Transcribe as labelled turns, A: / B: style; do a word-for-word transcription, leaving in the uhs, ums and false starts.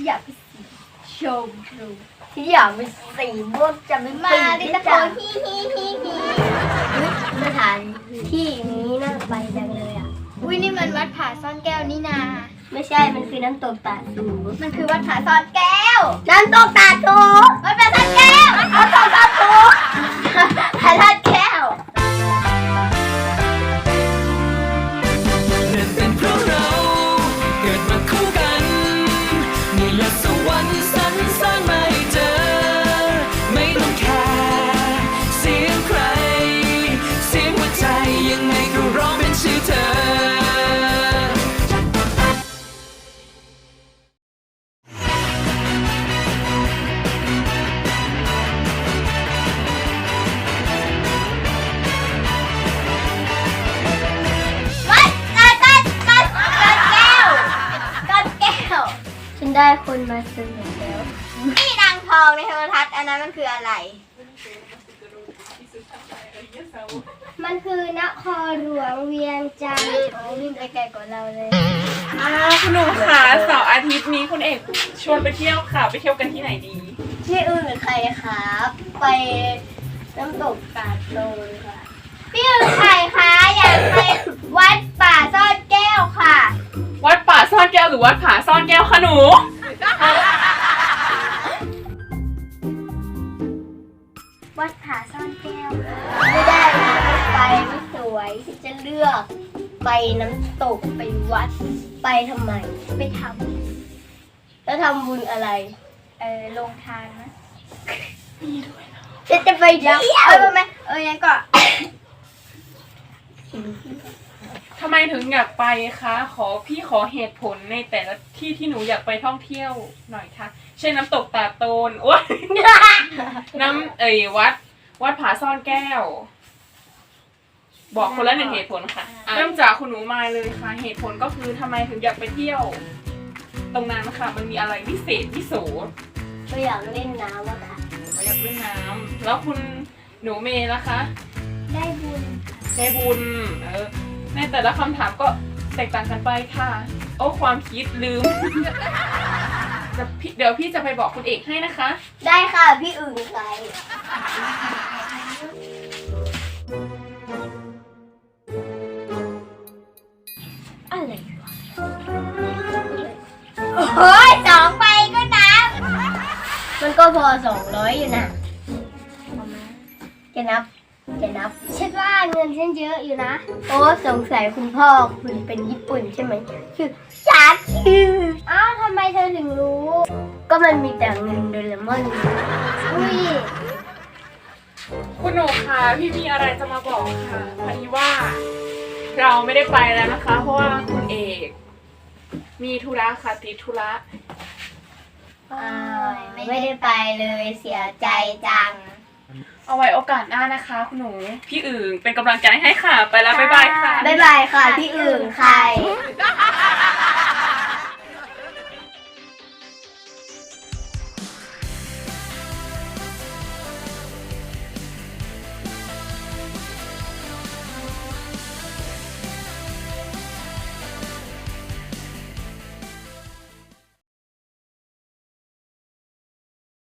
A: อยากไปสีชมพูที่อยากไปสีม่วงจะไม่มาดิตะโกนฮีฮีฮีฮีสถานที่นี้น่าไปจังเลยอ่ะอุ้ยนี่มันวัดผาซ่อนแก้วนี่นาไม่ใช่มันคือน้ำตกตาดสูมันคือวัดผาซ่อนแก้วน้ำตกตาดสูวัดผาซ่อนแก้วน้ำตกตาดสูผาซ่อนแก้วได้คนมาซื้อแล้วนี่นางทองในโทรทัศน์อันนั้นมันคืออะไรมันคือนครหลวงเวียงจันทร์โอ้วิ่งไปไกลกว่าเราเลย
B: อ่าคุณหนุ่มค่ะเสาร์อาทิตย์นี้คุณเอกชวนไปเที่ยวค่ะไปเที่ยวกันที่ไหนดี
A: พี่อื่นหรือใครครับไปน้ำตกตาดโลนค่ะพี่อื่นใครคะอยากไปวัดป่าซ่อนแก้วค่ะ
B: วัดป่าซ่อนแก้วหรือวัดผาซ่อนแก้วคะหนู
A: วัดผาซ่อนแก้วไม่ได้ไปไม่สวยจะเลือกไปน้ำตกไปวัดไปทำไมไปทำแล้วทำบุญอะไรเออลงทานนะจะจะไปเที่ยวเออไหมเออยังก็
B: ทำไมถึงอยากไปคะขอพี่ขอเหตุผลในแต่ละที่ที่หนูอยากไปท่องเที่ยวหน่อยค่ะเช่นน้ำตกตาดโตนโอ้ยน้ำเอ่ยวัดวัดผาซ่อนแก้วบอกคนละหนึ่งเหตุผลค่ะเริ่มจากคุณหนูมาเลยค่ะเหตุผลก็คือทำไมถึงอยากไปเที่ยวตรงนั้นค่ะมันมีอะไรพิเศษพิโส
A: ก็อยากเล่นน้ำอะค่ะ
B: อยากเล่นน้ำแล้วคุณหนูเมย์ล่ะคะ
A: ได้บุญ
B: ได้บุญเออในแต่ละคำถามก็แตกต่างกันไปค่ะโอ้ความคิดลืมเดี๋ยวพี่จะไปบอกคุณเอกให้นะคะ
A: ได้ค่ะพี่อื่นใครอะไรวะโอ้ยสองใบก็นับมันก็พอสองร้อยอยู่นะจะนับจะนับฉันว่าเงินฉันเยอะอยู่นะโอ้สงสัยคุณพ่อคุณเป็นญี่ปุ่นใช่ไหมคือชาคิวอ้าวทำไมเธอถึงรู้ก็มันมีแต่เงินโดเรมอนอุ้ย
B: คุณหนูคะพี่มีอะไรจะมาบอกค่ะพอดีว่าเราไม่ได้ไปแล้วนะคะเพราะว่าคุณเอกมีธุระค่ะติดธุระ
A: ไม่ได้ไปเลยเสียใจจัง
B: เอาไว้โอกาสหน้านะคะคุณหนูพี่อื่นเป็นกำลังใจให้ค่ะไปแล้วบ๊ายบายค่ะ
A: บ๊ายบายค่ะพี่อื่นใคร